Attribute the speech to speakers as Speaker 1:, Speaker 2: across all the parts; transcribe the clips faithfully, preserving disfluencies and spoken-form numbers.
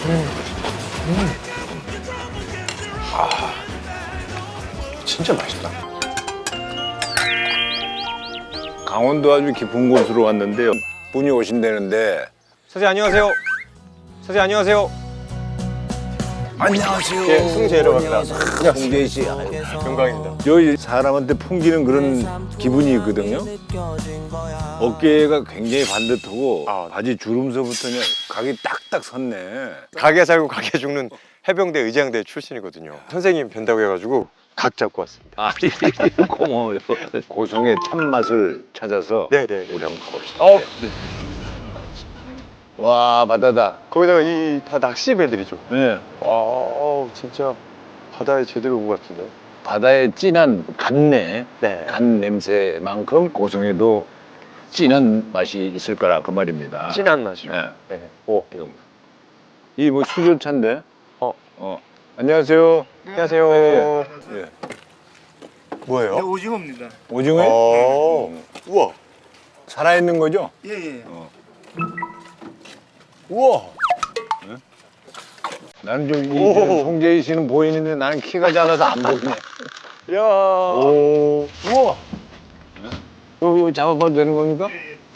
Speaker 1: 아, 진짜 맛있다.
Speaker 2: 강원도 아주 깊은 곳으로 왔는데요. 분이 오신다는데.
Speaker 1: 선생님 안녕하세요. 선생님 안녕하세요.
Speaker 2: 안녕하세요.
Speaker 1: 예, 승재라고 합니다.
Speaker 2: 승재 씨.
Speaker 1: 영광입니다.
Speaker 2: 여기 사람한테 풍기는 그런 기분이 있거든요. 어깨가 굉장히 반듯하고
Speaker 1: 아.
Speaker 2: 바지 주름서부터 그냥 각이 딱딱 섰네.
Speaker 1: 가게 살고 가게 죽는 해병대 의장대 출신이거든요. 선생님 뵌다고 해가지고 각 잡고 왔습니다.
Speaker 2: 아, 고마워요. 고성의 참맛을 찾아서
Speaker 1: 네네.
Speaker 2: 우리 한번 가봅시다.
Speaker 1: 어,
Speaker 2: 와, 바다다.
Speaker 1: 거기다가 이 다 낚시 배들이죠.
Speaker 2: 네.
Speaker 1: 와, 어우, 진짜 바다에 제대로 온 것 같은데.
Speaker 2: 바다의 진한 간내,
Speaker 1: 네.
Speaker 2: 간 냄새만큼 고성에도 진한 맛이 있을 거라 그 말입니다.
Speaker 1: 진한 맛이요.
Speaker 2: 네.
Speaker 1: 네. 오, 이거.
Speaker 2: 이 뭐 수조차인데?
Speaker 1: 어,
Speaker 2: 어. 안녕하세요.
Speaker 1: 안녕하세요.
Speaker 2: 예.
Speaker 1: 뭐예요?
Speaker 3: 네, 오징어입니다.
Speaker 2: 오징어?
Speaker 1: 어, 우와.
Speaker 2: 살아있는 거죠?
Speaker 3: 예, 예.
Speaker 2: 우와. 나는 좀 이,
Speaker 1: 오.
Speaker 2: 송재희 씨는 보이는데 나는 키가 작아서 안 보이네.
Speaker 1: 야.
Speaker 2: 오. 우와. 이거, 이거 잡아봐도 되는 겁니까?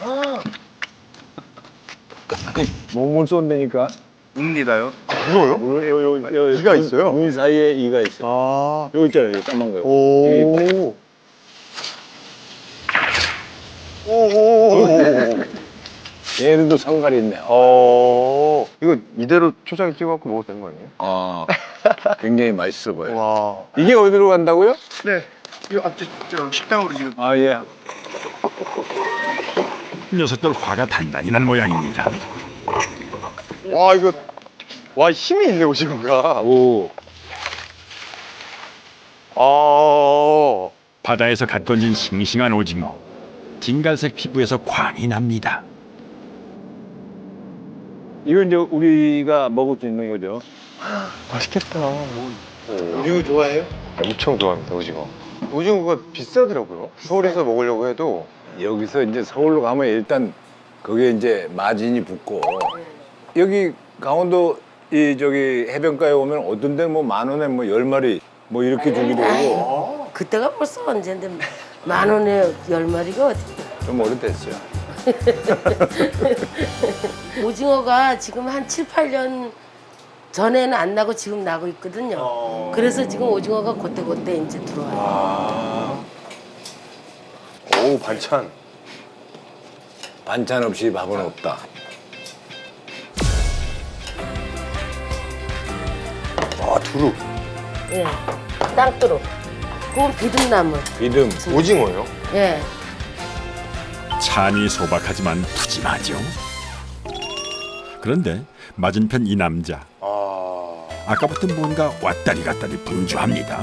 Speaker 2: 몸을 쏜다니까.
Speaker 3: 웁니다요.
Speaker 1: 이거요?
Speaker 2: 요, 요, 요,
Speaker 1: 이가 있어요?
Speaker 2: 눈 사이에 이가 있어.
Speaker 1: 아.
Speaker 2: 여기 있잖아요, 여기 까만 거.
Speaker 1: 오. 오오오오.
Speaker 2: 얘네들도 성갈이 있네.
Speaker 1: 어. 이거 이대로 초장에 찍어갖고 먹어도 되는 거 아니에요?
Speaker 2: 아, 굉장히 맛있어 보여.
Speaker 1: 와.
Speaker 2: 이게 어디로 간다고요?
Speaker 3: 네. 이 앞쪽 저 식당으로 지금.
Speaker 2: 아, 예.
Speaker 4: 녀석들 화가 단단히 난 모양입니다.
Speaker 1: 와, 이거. 와, 힘이 있네, 오징어가.
Speaker 2: 오.
Speaker 1: 아.
Speaker 4: 바다에서 갓 건진 싱싱한 오징어. 진갈색 피부에서 광이 납니다.
Speaker 2: 이건 이제 우리가 먹을 수 있는 거죠.
Speaker 1: 맛있겠다.
Speaker 3: 오징어 좋아해요?
Speaker 1: 엄청 좋아합니다, 오징어. 오징어가 비싸더라고요. 서울에서 먹으려고 해도.
Speaker 2: 여기서 이제 서울로 가면 일단 거기에 이제 마진이 붙고 여기 강원도 이 저기 해변가에 오면 어떤 데는 뭐 만 원에 뭐 열 마리 뭐 이렇게 주기도 하고
Speaker 5: 그때가 벌써 언젠데 만 원에 열 마리가 어디?
Speaker 2: 좀 오래됐어요.
Speaker 5: 오징어가 지금 한 칠, 팔 년 전에는 안 나고 지금 나고 있거든요. 그래서 지금 오징어가 그때그때 이제 들어와요.
Speaker 1: 오, 반찬.
Speaker 2: 반찬 없이 밥은 없다.
Speaker 1: 와, 두릅.
Speaker 5: 예, 땅두루. 그건 비듬나물.
Speaker 2: 비듬.
Speaker 1: 오징어요?
Speaker 5: 예.
Speaker 4: 찬이 소박하지만 푸짐하죠. 그런데 맞은편 이 남자.
Speaker 1: 아.
Speaker 4: 아까부터 뭔가 왔다리 갔다리 분주합니다.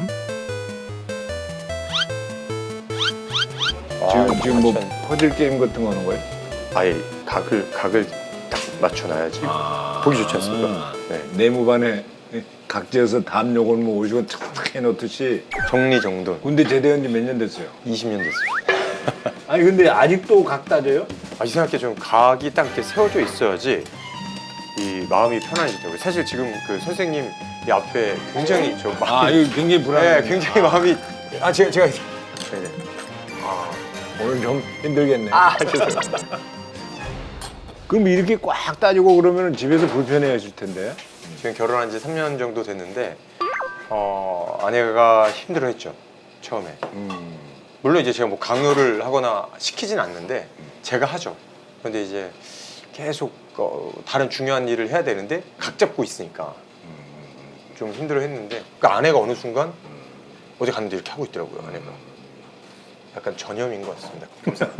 Speaker 2: 지금 지금 뭐
Speaker 1: 반찬.
Speaker 2: 퍼즐 게임 같은 거 하는 거예요?
Speaker 1: 아예 각을, 각을 딱 맞춰놔야지.
Speaker 2: 아.
Speaker 1: 보기 좋지 않습니까? 네.
Speaker 2: 네모반에 각지에서 담 요걸 뭐 오시고 탁탁 해놓듯이
Speaker 1: 정리정돈.
Speaker 2: 군대 제대한 지 몇 년 됐어요?
Speaker 1: 이십 년 됐어요.
Speaker 2: 아니 근데 아직도 각 따져요?
Speaker 1: 아, 이상하게 좀 각이 딱 이렇게 세워져 있어야지 이 마음이 편안해지더라고요. 사실 지금 그 선생님 이 앞에 굉장히 저
Speaker 2: 아
Speaker 1: 마음이
Speaker 2: 이거 굉장히 불안해.
Speaker 1: 네, 굉장히 마음이 아 제가 제가 네네.
Speaker 2: 오늘 좀 힘들겠네.
Speaker 1: 아, 죄송합니다.
Speaker 2: 그럼 이렇게 꽉 따지고 그러면 집에서 불편해하실 텐데.
Speaker 1: 지금 결혼한 지 삼 년 정도 됐는데 어, 아내가 힘들어했죠 처음에.
Speaker 2: 음.
Speaker 1: 물론 이제 제가 뭐 강요를 하거나 시키진 않는데 제가 하죠. 그런데 이제 계속 어, 다른 중요한 일을 해야 되는데 각 잡고 있으니까 좀 힘들어했는데 그 아내가 어느 순간 어디 갔는데 이렇게 하고 있더라고요. 아내가 약간 전염인 것 같습니다.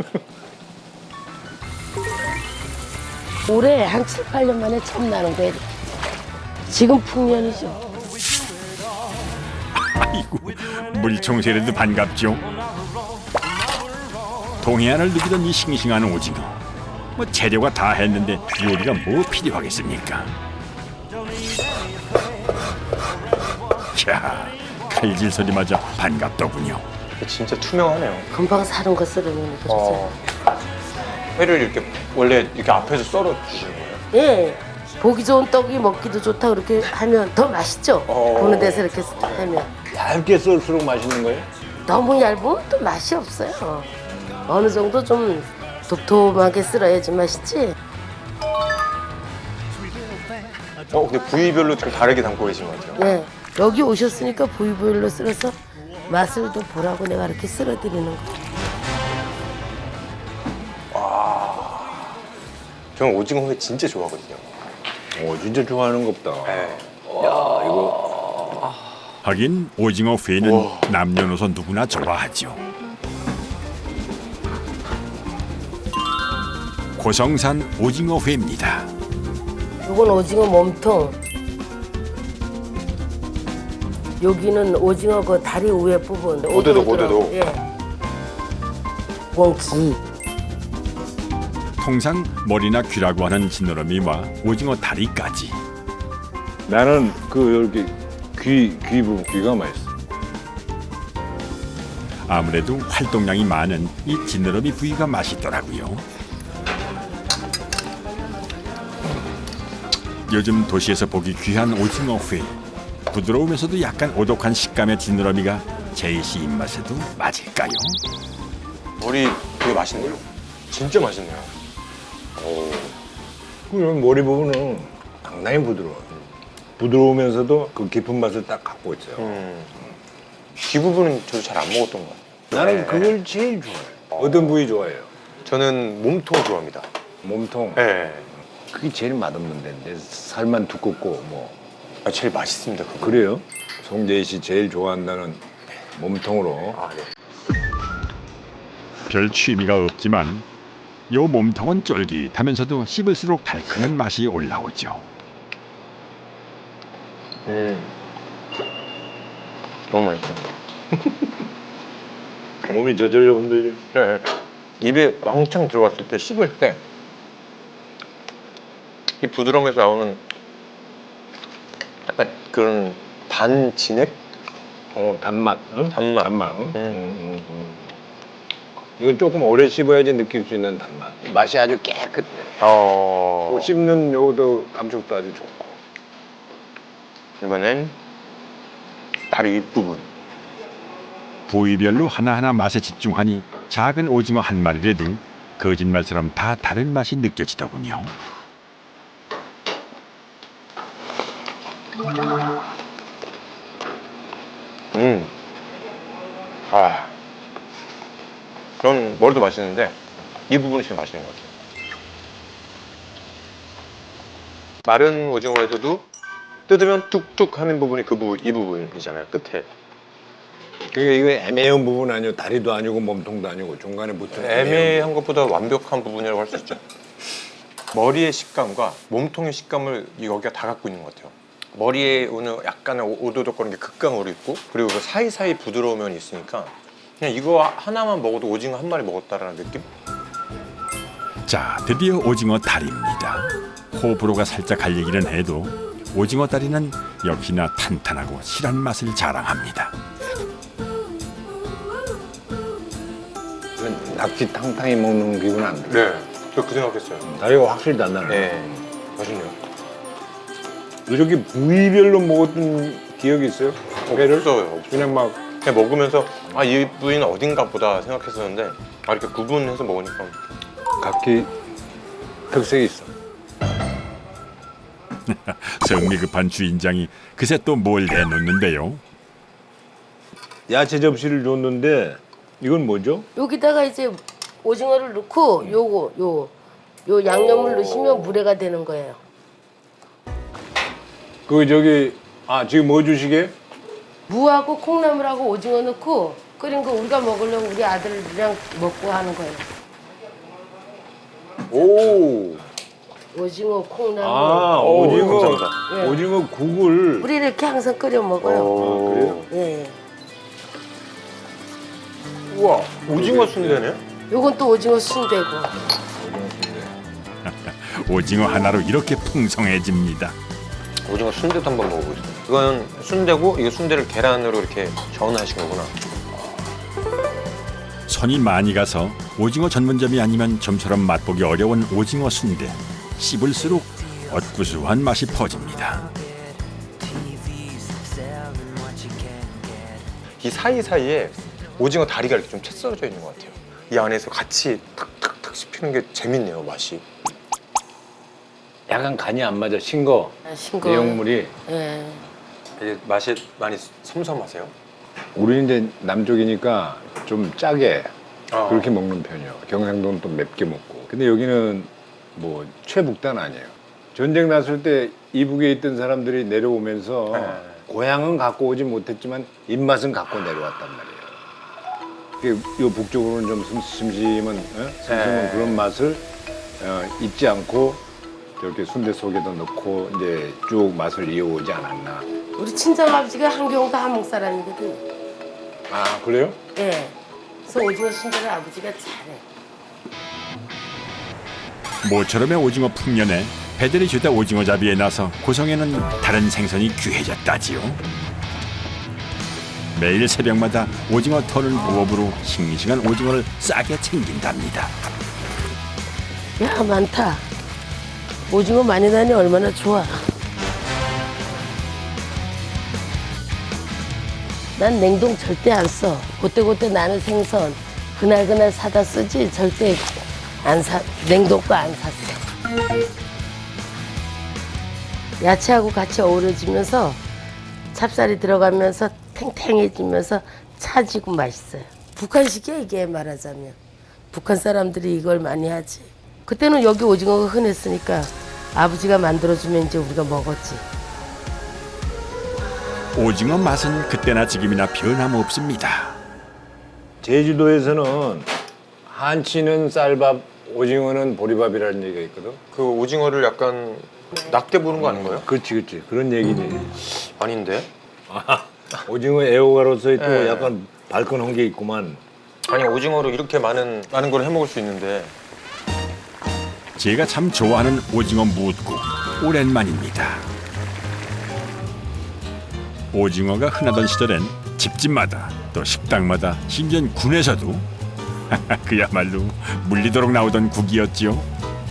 Speaker 5: 올해 한 칠, 팔 년 만에 처음 나는 거예요. 지금 풍년이죠.
Speaker 4: 아이고, 물총새라도 반갑죠. 동해안을 누비던 이 싱싱한 오징어. 뭐 재료가 다 했는데 요리가 뭐 필요하겠습니까? 캬, 칼질 소리마저 반갑더군요.
Speaker 1: 진짜 투명하네요.
Speaker 5: 금방 사는 거 썰으면 그러세요.
Speaker 1: 어, 회를 이렇게 원래 이렇게 앞에서 썰어 주시는 거예요?
Speaker 5: 예. 보기 좋은 떡이 먹기도 좋다 그렇게 하면 더 맛있죠.
Speaker 1: 어.
Speaker 5: 보는 데서 이렇게 하면
Speaker 2: 얇게 썰수록 맛있는 거예요?
Speaker 5: 너무 얇으면 또 맛이 없어요. 어느 정도 좀 도톰하게 썰어야지 맛있지.
Speaker 1: 어 근데 부위별로 좀 다르게 담고 계신 것 같아요.
Speaker 5: 네. 여기 오셨으니까 부위부위로 썰어서 맛을 좀 보라고 내가 이렇게 썰어드리는 거.
Speaker 1: 저는 오징어 회 진짜 좋아하거든요.
Speaker 2: 오, 진짜 좋아하는 거 없다.
Speaker 1: 네.
Speaker 4: 하긴 오징어 회는
Speaker 1: 우와.
Speaker 4: 남녀노소 누구나 좋아하죠. 고성산 오징어 회입니다.
Speaker 5: 요건 오징어 몸통. 여기는 오징어 그 다리 위에 부분.
Speaker 1: 오도독,
Speaker 5: 오돌오돌.
Speaker 1: 오도독.
Speaker 5: 예. 꽁치.
Speaker 4: 통상 머리나 귀라고 하는 지느러미와 오징어 다리까지.
Speaker 2: 나는 그 이렇게 귀, 귀 부분, 귀가 맛있어.
Speaker 4: 아무래도 활동량이 많은 이 지느러미 부위가 맛있더라고요. 요즘 도시에서 보기 귀한 오징어 회. 부드러우면서도 약간 오독한 식감의 지느러미가 제이 씨 입맛에도 맞을까요?
Speaker 1: 머리 되게 맛있네요. 진짜 맛있네요.
Speaker 2: 그 머리 부분은 상당히 부드러워. 부드러우면서도 그 깊은 맛을 딱 갖고 있어요.
Speaker 1: 음. 귀 부분은 저도 잘 안 먹었던 것 같아요.
Speaker 2: 나는
Speaker 1: 네.
Speaker 2: 그걸 제일 좋아해. 어떤 부위 좋아해요?
Speaker 1: 저는 몸통 좋아합니다.
Speaker 2: 몸통.
Speaker 1: 네.
Speaker 2: 그게 제일 맛없는 데인데 살만 두껍고 뭐
Speaker 1: 아, 제일 맛있습니다. 그거.
Speaker 2: 그래요? 송재희 씨 제일 좋아한다는 몸통으로.
Speaker 1: 아, 네.
Speaker 4: 별 취미가 없지만 요 몸통은 쫄깃하면서도 씹을수록 달큰한 맛이 올라오죠.
Speaker 1: 음. 너무 맛있어.
Speaker 2: 몸이 저절로 흔들려.
Speaker 1: 네. 입에 왕창 들어갔을 때 씹을 때 이 부드러움에서 나오는 약간 그런 단 진액?
Speaker 2: 어 단맛. 응?
Speaker 1: 단맛.
Speaker 2: 단맛. 응?
Speaker 1: 음.
Speaker 2: 응, 응, 응. 이건 조금 오래 씹어야지 느낄 수 있는 단맛. 맛이 아주 깨끗해.
Speaker 1: 어.
Speaker 2: 뭐 씹는 요도 감촉도 아주 좋고.
Speaker 1: 이번엔 다리 부분.
Speaker 4: 부위별로 하나하나 맛에 집중하니 작은 오징어 한 마리라도 거짓말처럼 다 다른 맛이 느껴지더군요.
Speaker 1: 음. 아. 전 머리도 맛있는데 이 부분이 제일 맛있는 것 같아요. 마른 오징어에서도 뜯으면 뚝뚝 하는 부분이 그 부분, 이 부분이잖아요. 끝에.
Speaker 2: 그게 이거 애매한 부분 아니고 다리도 아니고 몸통도 아니고 중간에 붙은
Speaker 1: 애매한 것보다 완벽한 부분이라고 할 수 있죠. 머리의 식감과 몸통의 식감을 여기가 다 갖고 있는 것 같아요. 머리에 오는 약간의 오- 오도독거리는 게 극강으로 있고, 그리고 그 사이사이 부드러운 면이 있으니까 그냥 이거 하나만 먹어도 오징어 한 마리 먹었다라는 느낌?
Speaker 4: 자, 드디어 오징어 다리입니다. 호불호가 살짝 갈리기는 해도 오징어 다리는 역시나 탄탄하고 실한 맛을 자랑합니다.
Speaker 2: 이건 낙지 탕탕이 먹는 기분 안 들어.
Speaker 1: 네. 저 그 생각했어요.
Speaker 2: 다리가 확실히 단단해.
Speaker 1: 네. 맛있네요.
Speaker 2: 이렇게 부위별로 먹었던 기억이 있어요? 회를?
Speaker 1: 없어요. 없어요.
Speaker 2: 그냥 막
Speaker 1: 그냥 먹으면서 아, 이 부위는 어딘가 보다 생각했었는데 아, 이렇게 구분해서 먹으니까
Speaker 2: 각기 특색이 있어.
Speaker 4: 성미 급한 주인장이 그새 또 뭘 내놓는데요.
Speaker 2: 야채 접시를 줬는데 이건 뭐죠?
Speaker 5: 여기다가 이제 오징어를 넣고 요거 요, 요 양념을 넣으시면 물회가 되는 거예요.
Speaker 2: 그 저기 아 지금 뭐 주시게?
Speaker 5: 무하고 콩나물하고 오징어 넣고 끓인 거 우리가 먹으려고 우리 아들이랑 먹고 하는 거예요.
Speaker 1: 오.
Speaker 5: 오징어 콩나물.
Speaker 2: 아
Speaker 1: 오,
Speaker 2: 오징어
Speaker 1: 감사합니다.
Speaker 5: 예.
Speaker 2: 오징어 국을
Speaker 5: 우리 이렇게 항상 끓여 먹어요.
Speaker 1: 오.
Speaker 2: 그래요?
Speaker 5: 예, 예.
Speaker 1: 우와, 오징어 순대네?
Speaker 5: 요건 또 오징어 순대고.
Speaker 4: 오징어 하나로 이렇게 풍성해집니다.
Speaker 1: 오징어 순대도 한번 먹어보겠습니다. 이건 순대고 이게 순대를 계란으로 이렇게 전하신 거구나.
Speaker 4: 손이 많이 가서 오징어 전문점이 아니면 좀처럼 맛보기 어려운 오징어 순대. 씹을수록 엇구수한 맛이 퍼집니다.
Speaker 1: 이 사이사이에 오징어 다리가 이렇게 좀 채 썰어져 있는 것 같아요. 이 안에서 같이 탁탁탁 씹히는 게 재밌네요, 맛이.
Speaker 2: 약간 간이 안 맞아. 싱거.
Speaker 5: 아, 싱거.
Speaker 2: 내용물이.
Speaker 5: 예.
Speaker 1: 이게 맛이 많이 섬섬하세요?
Speaker 2: 우리는 이제 남쪽이니까 좀 짜게
Speaker 1: 아.
Speaker 2: 그렇게 먹는 편이에요. 경상도는 또 맵게 먹고. 근데 여기는 뭐 최북단 아니에요. 전쟁 났을 때 이북에 있던 사람들이 내려오면서
Speaker 1: 네.
Speaker 2: 고향은 갖고 오지 못했지만 입맛은 갖고 내려왔단 말이에요. 이게 요 북쪽으로는 좀 슴- 심심한, 어? 심심한
Speaker 1: 네.
Speaker 2: 그런 맛을 어, 잊지 않고 저렇게 순대 속에도 넣고 이제 쭉 맛을 이어오지 않았나.
Speaker 5: 우리 친정 아버지가 한경도 한국 사람이거든.
Speaker 2: 아 그래요?
Speaker 5: 예. 그래서 오징어 순대를 아버지가 잘해.
Speaker 4: 모처럼의 오징어 풍년에 배들이 주다 오징어잡이에 나서 고성에는 다른 생선이 귀해졌다지요. 매일 새벽마다 오징어 터는 부업으로 싱싱한 오징어를 싸게 챙긴답니다.
Speaker 5: 야, 많다. 오징어 많이 나니 얼마나 좋아. 난 냉동 절대 안 써. 그때그때 나는 생선 그날그날 사다 쓰지 절대 안 사, 냉동거 안 샀어. 야채하고 같이 어우러지면서 찹쌀이 들어가면서 탱탱해지면서 차지고 맛있어요. 북한식이야 이게 말하자면. 북한 사람들이 이걸 많이 하지. 그때는 여기 오징어가 흔했으니까 아버지가 만들어주면 이제 우리가 먹었지.
Speaker 4: 오징어 맛은 그때나 지금이나 변함없습니다.
Speaker 2: 제주도에서는 한치는 쌀밥, 오징어는 보리밥이라는 얘기가 있거든.
Speaker 1: 그 오징어를 약간 낙대 보는 거 아닌가요?
Speaker 2: 그렇지, 그렇지. 그런 얘기지.
Speaker 1: 아닌데?
Speaker 2: 오징어 애호가로서의 또
Speaker 1: 네.
Speaker 2: 약간 발끈한 게 있구만.
Speaker 1: 아니 오징어로 이렇게 많은 많은 걸 해 먹을 수 있는데
Speaker 4: 제가 참 좋아하는 오징어 무국 오랜만입니다. 오징어가 흔하던 시절엔 집집마다 또 식당마다 심지어 군에서도 그야말로 물리도록 나오던 국이었지요.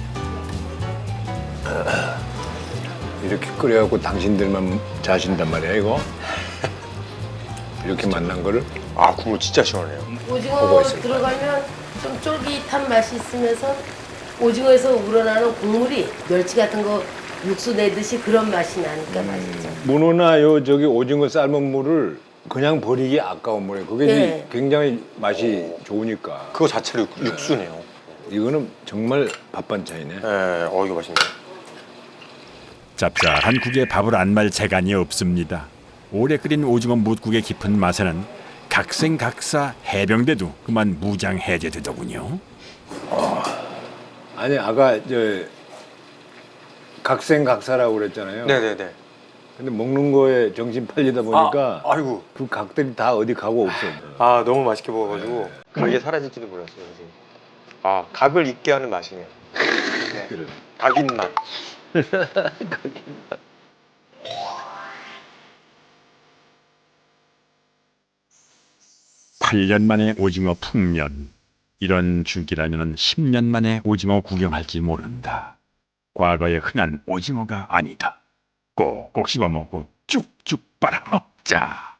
Speaker 2: 이렇게 끓여갖고 당신들만 자신단 말이야, 이거. 이렇게 만난 거를.
Speaker 1: 아 국물 진짜 시원해요.
Speaker 5: 오징어 들어가면 좀 쫄깃한 맛이 있으면서 오징어에서 우러나는 국물이 멸치 같은 거 육수 내듯이 그런 맛이 나니까 맛있죠.
Speaker 2: 문어나 요 저기 오징어 삶은 물을 그냥 버리기 아까운 물이에요. 그게
Speaker 5: 네.
Speaker 2: 굉장히 맛이 좋으니까.
Speaker 1: 그거 자체로 육- 육수네요.
Speaker 2: 이거는 정말 밥 반찬이네.
Speaker 1: 네, 어 이거 맛있네.
Speaker 4: 짭짤한 국에 밥을 안 말 재간이 없습니다. 오래 끓인 오징어 뭇국의 깊은 맛에는 각생각사 해병대도 그만 무장해제되더군요.
Speaker 2: 아니 아까 저 각생각사라고 그랬잖아요.
Speaker 1: 네네네.
Speaker 2: 근데 먹는 거에 정신 팔리다 보니까
Speaker 1: 아, 아이고.
Speaker 2: 그 각들이 다 어디 가고 없어.
Speaker 1: 아 너무 맛있게 먹어가지고 각이 사라질지도 몰랐어요. 그래서. 아 각을 잊게 하는 맛이네요. 네.
Speaker 2: 그래.
Speaker 1: 각인 맛.
Speaker 4: 팔 년 만에 오징어 풍년. 이런 줄기라면 십 년 만에 오징어 구경할지 모른다. 과거의 흔한 오징어가 아니다. 꼭꼭 씹어 먹고 쭉쭉 빨아먹자.